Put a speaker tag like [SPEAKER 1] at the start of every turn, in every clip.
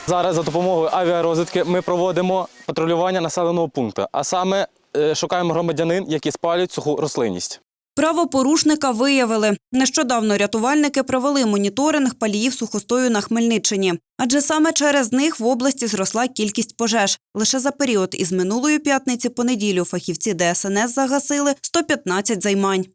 [SPEAKER 1] Зараз за допомогою авіарозвідки ми проводимо патрулювання населеного пункту, а саме шукаємо громадянин, які спалюють суху рослинність.
[SPEAKER 2] Правопорушника виявили. Нещодавно рятувальники провели моніторинг паліїв сухостою на Хмельниччині. Адже саме через них в області зросла кількість пожеж. Лише за період із минулої п'ятниці по неділю фахівці ДСНС загасили 115 займань.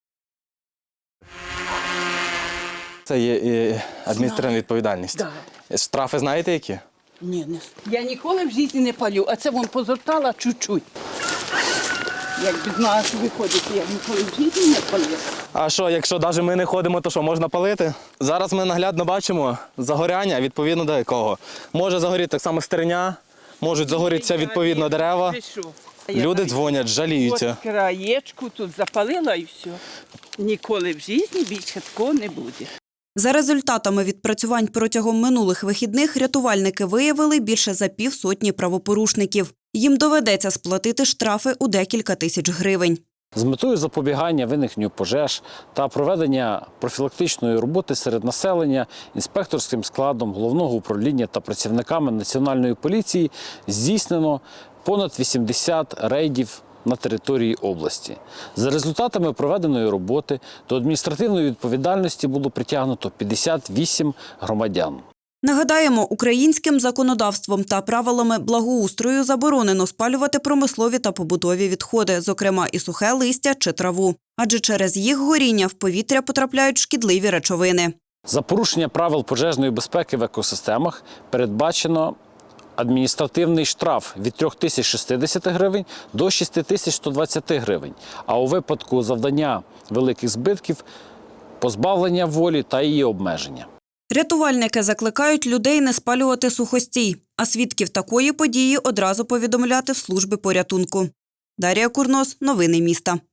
[SPEAKER 1] Це є адміністративна відповідальність. Штрафи знаєте які?
[SPEAKER 3] Ні, не. Я ніколи в житті не палю, а це вон позортала чуть-чуть. Як від нас виходить, я ніколи в житті не палю.
[SPEAKER 1] А що, якщо навіть ми не ходимо, то що, можна палити? Зараз ми наглядно бачимо загоряння, відповідно до якого. Може загоріти так само стерня, можуть загорітися відповідно дерева. Люди дзвонять, жаліються.
[SPEAKER 3] От краєчку тут запалила і все. Ніколи в житті більше такого не буде.
[SPEAKER 2] За результатами відпрацювань протягом минулих вихідних рятувальники виявили більше за півсотні правопорушників. Їм доведеться сплатити штрафи у декілька тисяч гривень.
[SPEAKER 4] З метою запобігання виникненню пожеж та проведення профілактичної роботи серед населення інспекторським складом Головного управління та працівниками Національної поліції здійснено понад 80 рейдів на території області. За результатами проведеної роботи до адміністративної відповідальності було притягнуто 58 громадян.
[SPEAKER 2] Нагадаємо, українським законодавством та правилами благоустрою заборонено спалювати промислові та побутові відходи, зокрема і сухе листя чи траву. Адже через їх горіння в повітря потрапляють шкідливі речовини.
[SPEAKER 4] За порушення правил пожежної безпеки в екосистемах передбачено адміністративний штраф від 3060 гривень до 6120 гривень, а у випадку завдання великих збитків – позбавлення волі та її обмеження.
[SPEAKER 2] Рятувальники закликають людей не спалювати сухостій, а свідків такої події одразу повідомляти в служби порятунку. Дар'я Курнос, новини міста.